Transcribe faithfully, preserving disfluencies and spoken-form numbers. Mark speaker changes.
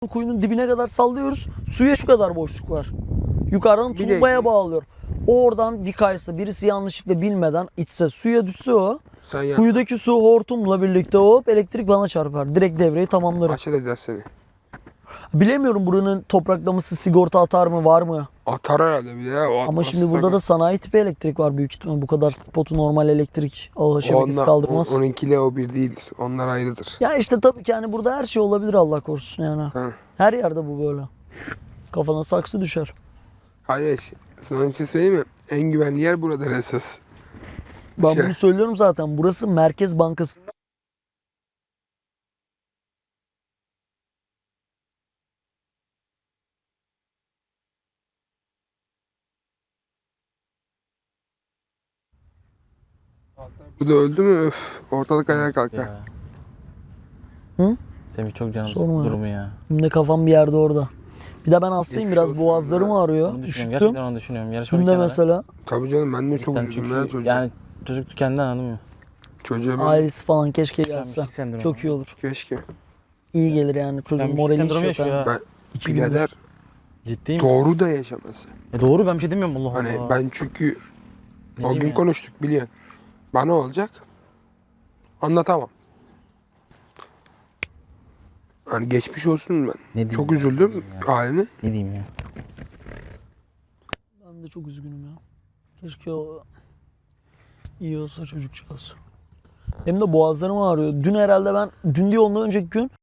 Speaker 1: Kuyunun dibine kadar sallıyoruz. Suya şu kadar boşluk var. Yukarıdan
Speaker 2: Bir de-
Speaker 1: turbaya bağlıyor. Oradan dikaysa birisi yanlışlıkla bilmeden içse suya düşse o.
Speaker 2: Sen ya
Speaker 1: Kuyudaki su hortumla birlikte hop elektrik bana çarpar. Direkt devreyi tamamlarım.
Speaker 2: aşağı eder seni.
Speaker 1: Bilemiyorum buranın topraklaması sigorta atar mı var mı?
Speaker 2: Atar herhalde bir de ya. O
Speaker 1: Ama
Speaker 2: atmaz
Speaker 1: şimdi burada
Speaker 2: tabii.
Speaker 1: da sanayi tipi elektrik var büyük ihtimal. Bu kadar spotu normal elektrik ağ şebekesi
Speaker 2: Onunla-
Speaker 1: kaldırmaz.
Speaker 2: on- onunkiyle o bir değildir. Onlar ayrıdır.
Speaker 1: Ya işte tabii ki hani burada her şey olabilir Allah korusun yani.
Speaker 2: Ha.
Speaker 1: Her yerde bu böyle. Kafana saksı düşer.
Speaker 2: Hayır. Sana bir şey söyleyeyim mi? En güvenli yer burada esas.
Speaker 1: Ben
Speaker 2: Şey-
Speaker 1: bunu söylüyorum zaten. Burası Merkez Bankası.
Speaker 2: Burada öldü mü öf. Ortalık ayağa kalkar.
Speaker 3: Ya.
Speaker 1: Hı?
Speaker 3: Semih çok canım
Speaker 1: Sorma
Speaker 3: sıktı
Speaker 1: ya.
Speaker 3: durumu ya.
Speaker 1: Şimdi kafam bir yerde orada. Bir de ben hastayım
Speaker 2: Geçmiş
Speaker 1: biraz
Speaker 2: olsun
Speaker 1: boğazlarım
Speaker 2: ya.
Speaker 1: ağrıyor.
Speaker 3: Onu düşünüyorum.
Speaker 1: Üşüttüm.
Speaker 3: Gerçekten onu düşünüyorum. Yarışma
Speaker 1: Dün
Speaker 3: bir
Speaker 1: de
Speaker 3: kenara.
Speaker 1: mesela
Speaker 2: Tabii canım ben de çok
Speaker 3: Cidden
Speaker 2: üzüldüm
Speaker 3: çünkü
Speaker 2: ya çocuğa.
Speaker 3: Yani çocuk tükendi anladın mı?
Speaker 2: Çocuğa ben
Speaker 1: ailesi falan keşke gelse.
Speaker 3: Tükenmişlik sendromu.
Speaker 1: Çok iyi olur.
Speaker 2: keşke.
Speaker 1: İyi gelir yani. Çocuğun
Speaker 3: Tükenmişlik
Speaker 1: morali hiç
Speaker 3: sendromu
Speaker 1: yok.
Speaker 3: yaşıyor
Speaker 1: ha.
Speaker 3: ha.
Speaker 2: Ben
Speaker 1: İki gündür.
Speaker 2: birader
Speaker 3: Ciddiyim.
Speaker 2: doğru da yaşaması.
Speaker 3: E doğru ben bir şey demiyorum Allah
Speaker 2: Hani
Speaker 3: Allah.
Speaker 2: ben çünkü
Speaker 3: Ne
Speaker 2: o
Speaker 3: diyeyim
Speaker 2: gün
Speaker 3: ya?
Speaker 2: konuştuk biliyorsun. Bana olacak. Anlatamam. Hani geçmiş olsun ben.
Speaker 3: Ne diyeyim
Speaker 2: Çok
Speaker 3: ya?
Speaker 2: üzüldüm
Speaker 3: Ya.
Speaker 2: haline.
Speaker 3: Ne diyeyim ya?
Speaker 1: Ben de çok üzgünüm ya. Keşke o iyi olsa çocukcağız. Hem de boğazlarım ağrıyor. Dün herhalde ben, dün değil ondan önceki gün